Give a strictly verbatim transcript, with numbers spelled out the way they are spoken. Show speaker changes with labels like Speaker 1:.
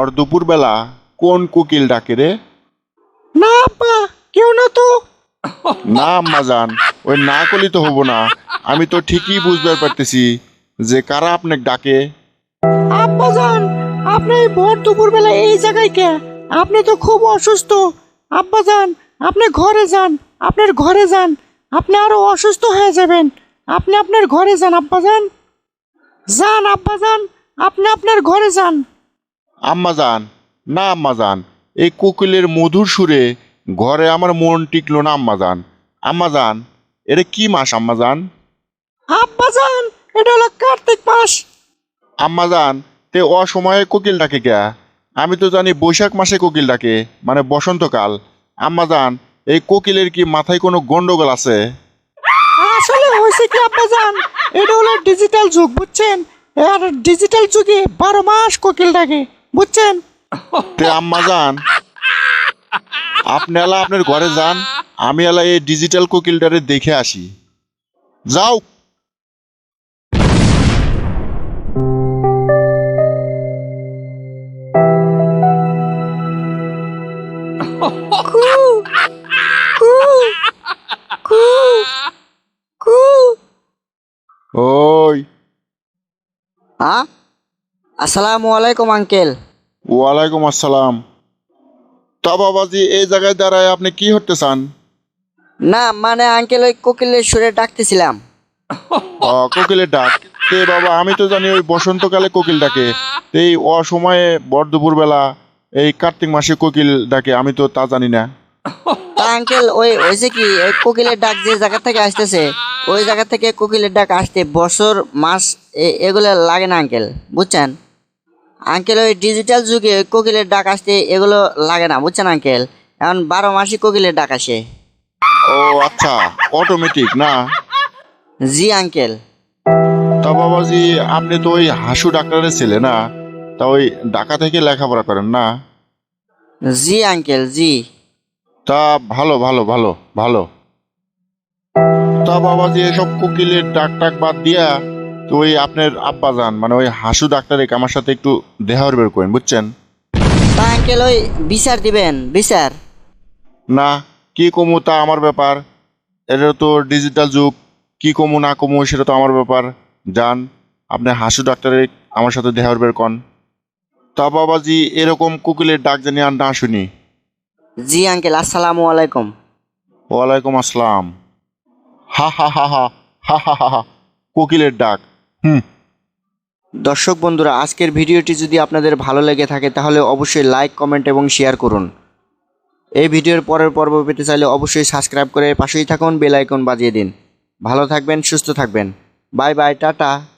Speaker 1: ভর দুপুর বেলা কোন কোকিল ডাকে রে?
Speaker 2: না আব্বা, কেউ না তো।
Speaker 1: না আম্মাজান, ওই না করলি তো হবো না। আমি তো ঠিকই বুঝতে পারতেছি যে কারা আপনাকে ডাকে।
Speaker 2: আব্বা যান, আপনি এই ভর দুপুর বেলা এই জায়গায় কে? আপনি তো খুব অসুস্থ। আব্বা যান, আপনি ঘরে যান, আপনার ঘরে যান। আপনি আরো অসুস্থ হয়ে যাবেন। আপনি আপনার ঘরে যান আব্বা যান। যান আব্বা যান, আপনি আপনার ঘরে যান।
Speaker 1: আম্মাজান, না আম্মাজান, এই কোকিলের মধুর সুরে ঘরে আমার মন টিকলো না আম্মাজান। আম্মাজান, এটা কি মাস আম্মাজান?
Speaker 2: আব্বা যান, এটা হলো কার্তিক মাস।
Speaker 1: আম্মাজান, তে অসময়ে কোকিল ডাকে কে? আমি তো জানি বৈশাখ মাসে কোকিল ডাকে, মানে বসন্তকাল। আম্মাজান, এই কোকিলের কি মাথায় কোনো গন্ডগোল আছে?
Speaker 2: আসলে হয়েছে কি আব্বা যান, এটা হলো ডিজিটাল যুগ, বুঝছেন? আর ডিজিটাল যুগে বারো মাস কোকিল ডাকে, বুঝছেন?
Speaker 1: তে আম্মাজান, আপনি এলা আপনার ঘরে যান, আমি এলা এই ডিজিটাল কোকিলটারে দেখে আসি। যাও।
Speaker 2: কু কু কু কু।
Speaker 1: ওই,
Speaker 3: হ্যাঁ, আসসালামু আলাইকুম আঙ্কেল।
Speaker 1: ওয়ালাইকুম আসসালাম। তা বাবাজি, এই জায়গায় দাঁড়ায় আপনি কি হতে চান?
Speaker 3: না মানে আঙ্কেল, ওই কোকিলের সুরে ডাকতেছিলাম।
Speaker 1: ও, কোকিলের ডাক? তে বাবা, আমি তো জানি ওই বসন্তকালে কোকিল ডাকে। তে এই অসময়ে ভর দুপুর বেলা এই কার্তিক মাসে কোকিল ডাকে, আমি তো তা জানি না।
Speaker 3: তা আঙ্কেল, ওই হয়েছে কি, ওই কোকিলের ডাক যে জায়গা থেকে আসতেছে, ওই জায়গা থেকে কোকিলের ডাক আসতে বছর মাস এ- এগুলো লাগে না আঙ্কেল, বুঝছেন? আঙ্কেল, ওই ডিজিটাল যুগে ওই কোকিলের ডাক আসতে এগুলো লাগে না, বুঝছেন আঙ্কেল? এখন বারো মাসই কোকিলের ডাক আসে।
Speaker 1: ও আচ্ছা, অটোমেটিক না?
Speaker 3: জি আঙ্কেল।
Speaker 1: তা বাবাজি, আপনি তো ওই হাসু ডাক্তারের ছেলে না? তা ওই ঢাকা থেকে লেখাপড়া করেন না?
Speaker 3: জি আঙ্কেল, জি।
Speaker 1: তা ভালো ভালো ভালো ভালো। তা বাবাজি, এসব কোকিলের ডাক টাক বাদ দিয়া তো ওই আপনার আব্বা যান, মানে ওই হাসু ডাক্তারে আমার সাথে একটু দেখা বের করেন, বুঝছেন?
Speaker 3: তা আঙ্কেল, ওই বিচার দিবেন, বিচার?
Speaker 1: না, কি কমু তা আমার ব্যাপার। এটা তো ডিজিটাল যুগ, কি কমু না কমু সেটা তো আমার ব্যাপার। যান, আপনি হাসু ডাক্তারে আমার সাথে দেখা বের কন। তা বাবাজি, এরকম কোকিলের ডাক জানি আর না শুনি।
Speaker 3: জি আঙ্কেল, আসসালামু আলাইকুম।
Speaker 1: ওয়ালাইকুম আসসালাম। হা হা হা হা হা হা হা হা, কোকিলের ডাক। হুম।
Speaker 2: দর্শক বন্ধুরা, আজকের ভিডিওটি যদি আপনাদের ভালো লেগে থাকে তাহলে অবশ্যই লাইক, কমেন্ট এবং শেয়ার করুন। এই ভিডিওর পরের পর্ব পেতে চাইলে অবশ্যই সাবস্ক্রাইব করে পাশেই থাকুন, বেল আইকন বাজিয়ে দিন। ভালো থাকবেন, সুস্থ থাকবেন। Bye bye, tata.